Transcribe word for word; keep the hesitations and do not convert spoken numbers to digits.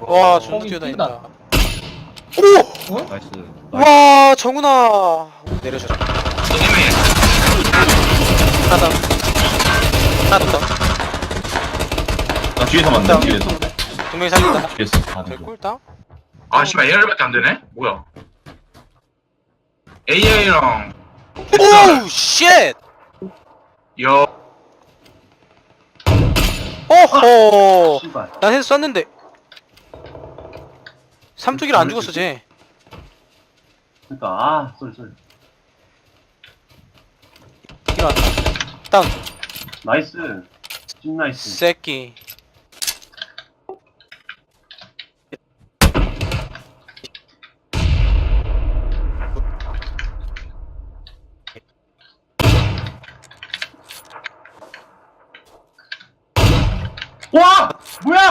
와 존나 거기 뛰어다닌다. 뛴다. 오! 어? 나이스. 와 정훈아 내려줘라. 하나 더. 하나 더. 나 뒤에서 만나, 일단. 뒤에서. 두 명이 살린다. 뒤에서. 아, 네. 개꿀다. 아 씨발 에이알밖에 안 되네? 뭐야? 에이아이랑 오우 쉣! 여 오호! 씨발. 난 헤드 쐈는데 삼뚝이라 안 죽었어 쟤. 그니까, 아, 쏘리, 쏘리. 일어났다. 다운. 나이스. 찐 나이스. 새끼. 와! 뭐야!